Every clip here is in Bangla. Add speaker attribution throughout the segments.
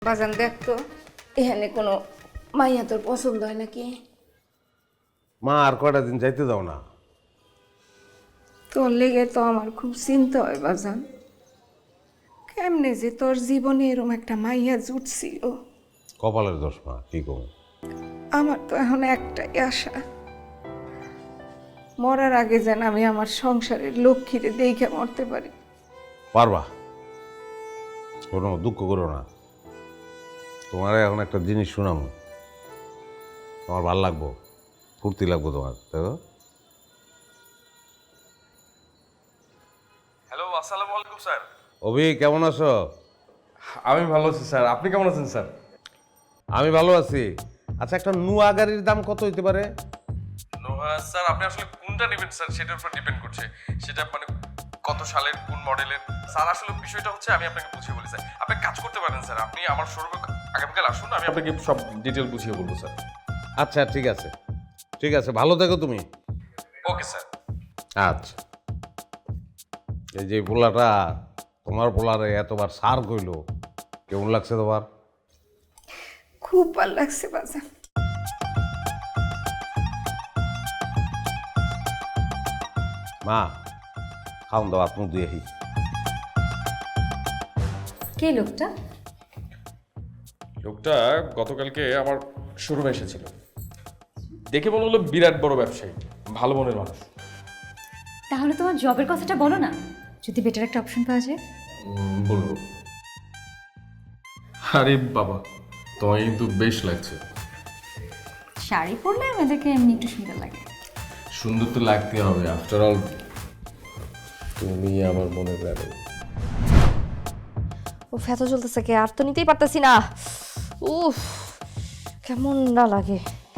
Speaker 1: বাজান দেখ তো এখানে কোনো মাইয়া তোর পছন্দ হয় নাকি?
Speaker 2: মা আর কয়টা দিন যাইতে দাও না।
Speaker 1: তোর লেগে তো আমার খুব চিন্তা হয় বাজান। কেমনে যে তোর জীবনে এরকম একটা মাইয়া জুটছিল।
Speaker 2: কপালের দোষ মা, কি করবো।
Speaker 1: আমার তো এখন একটাই আশা, মরার আগে যেন আমি আমার সংসারের লক্ষ্মীরে দেখে মরতে পারি।
Speaker 2: পারবা, কোনো দুঃখ করো না। তোমার এখন একটা জিনিস শোনাবো, তোমার ভাল লাগবো, ফুর্তি লাগবো তোমার, তাই তো?
Speaker 3: হ্যালো, আসসালামু আলাইকুম স্যার।
Speaker 2: অভি কেমন আছো?
Speaker 3: আমি ভালো আছি স্যার, আপনি কেমন আছেন স্যার?
Speaker 2: আমি ভালো আছি। আচ্ছা, একটা নুয়া গাড়ির দাম কত হইতে পারে?
Speaker 3: নোহা স্যার, আপনি আসলে কোনটা নেবেন স্যার সেটার উপর ডিপেন্ড করছে। সেটা মানে কত সালের, কোন মডেলের স্যার। আসলে বিষয়টা হচ্ছে আমি আপনাকে বুঝিয়ে বলি স্যার। আপনি কাজ করতে পারেন স্যার, আপনি আমার শোরুমে আগামীকাল আসুন, আমি আপনাকে সব ডিটেল বুঝিয়ে বলবো স্যার।
Speaker 2: আচ্ছা ঠিক আছে, ঠিক আছে, ভালো থেকো তুমি।
Speaker 3: Okay sir.
Speaker 2: আচ্ছা, এই যে পোলাটা, তোমার পোলারে এতবার সার কইলো, কেমন লাগছে তোমার?
Speaker 1: খুব ভালো লাগছে বাজান।
Speaker 2: মা, খাওন দাও, আত্ম দিয়ে
Speaker 4: কে লোকটা?
Speaker 3: লোকটা গতকালকে আমার শোরুমে এসেছিল, দেখে মনে হলো বিরাট বড় ব্যবসায়ী, ভালো মনের মানুষ।
Speaker 4: তাহলে তোমার জবের কথাটা বলো না, যদি বেটার একটা অপশন পাওয়া যায়।
Speaker 3: বলবো। আরে বাবা, তোমায় কিন্তু বেশ লাগছে।
Speaker 4: শাড়ি পরলে আমাদেরকে এমনি একটু সুন্দর লাগে।
Speaker 3: সুন্দর তো লাগতে হবে, আফটার অল তুমি আমার মনে প্রাণে।
Speaker 5: ও ফেতো চলতেছে কে, আর তো নিতেই পারতেছি না। উফ, কেমন না লাগে।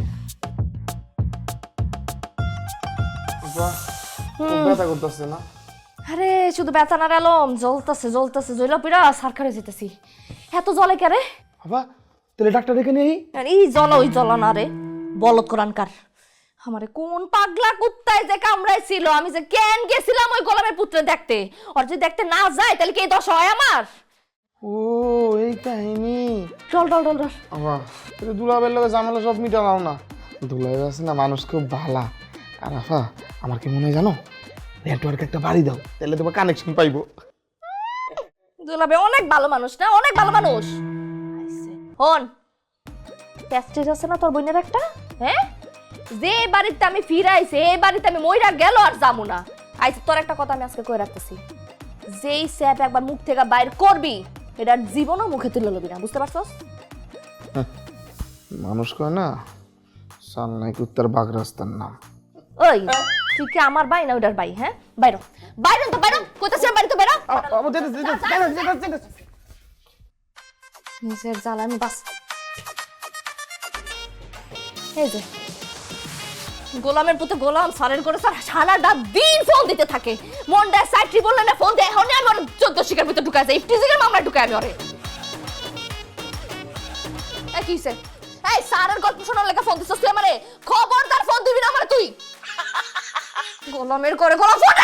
Speaker 6: ব্যথা করতেছে না?
Speaker 5: আরে শুধু ব্যথা না এলম, জ্বলতেছে জ্বলতেছে, জ্বলা পিড়া সারখারে যেতেছি। এত জলে কে রে?
Speaker 6: বাবা, তাহলে ডাক্তার ডেকে নেই?
Speaker 5: আর এই জ্বলা ওই জ্বলা না রে, বলদ কোরআনকার। আমারে কোন পাগলা কুত্তায় যে কামড়াইছিল, আমি যে কেন গেছিলাম ওই গোলামের পুত্রে দেখতে। আর যদি দেখতে না যায় তাহলে কি এই দশা হয় আমার?
Speaker 6: ও এই কাহিনী।
Speaker 5: Doll doll doll doll.
Speaker 6: বাবা, তাহলে দুলাবের লোকে ঝামেলা সব মিটালাও না। দুলাবের আছে না মানুষ খুব ভালা। আর আফা, আমার কি মনে হয় জানো, নেটওয়ার্ক একটা বাড়ি দাও, তাহলে তোমার কানেকশন পাইবো।
Speaker 5: দুলাবে অনেক ভালো মানুষ না, অনেক ভালো মানুষ। হন, প্যাস্টেজ আছে না তোর বোনের একটা? হ্যাঁ, যে বাড়িতে আমি ফিরাইছি এই বাড়িতে আমি মইরা গেল আর যাবো না। আইছে তোর একটা কথা আমি আজকে কই রাখতেছি, যেই স্যাপ একবার মুখ থেকে বাইর করবি এটার জীবনও মুখে তুলে লবি না, বুঝতে পারছস?
Speaker 6: মানুষ কয় না, সালনাই কুত্তার বাঘ রাস্তার নাম।
Speaker 5: ওই তুই কি আমার ভাই না ওটার ভাই? হ্যাঁ, বাইরো বাইরো তো বাইরো, কইতাছি বাড়ি তো বাইরো। নিজের জ্বালা আমি বাস। এই যে গোলামের পুতে গোলাম সারের করে সারাটা দিন ফোন দিতে থাকে। মনটা সাইট্রি বললে না ফোন দেয়, এখন আমি ওর 14 শিকার ভিতরে ঢুকাই যাই, ইফটিজিংয়ের মামলা ঢুকাই আমি ওরে। এই কিছে? এই সারের গল্প শোনার লেগে ফোন দিছস তুই আমারে? খবরদার ফোন দিবি না আমারে তুই। গোলামের করে গোলাম ফোন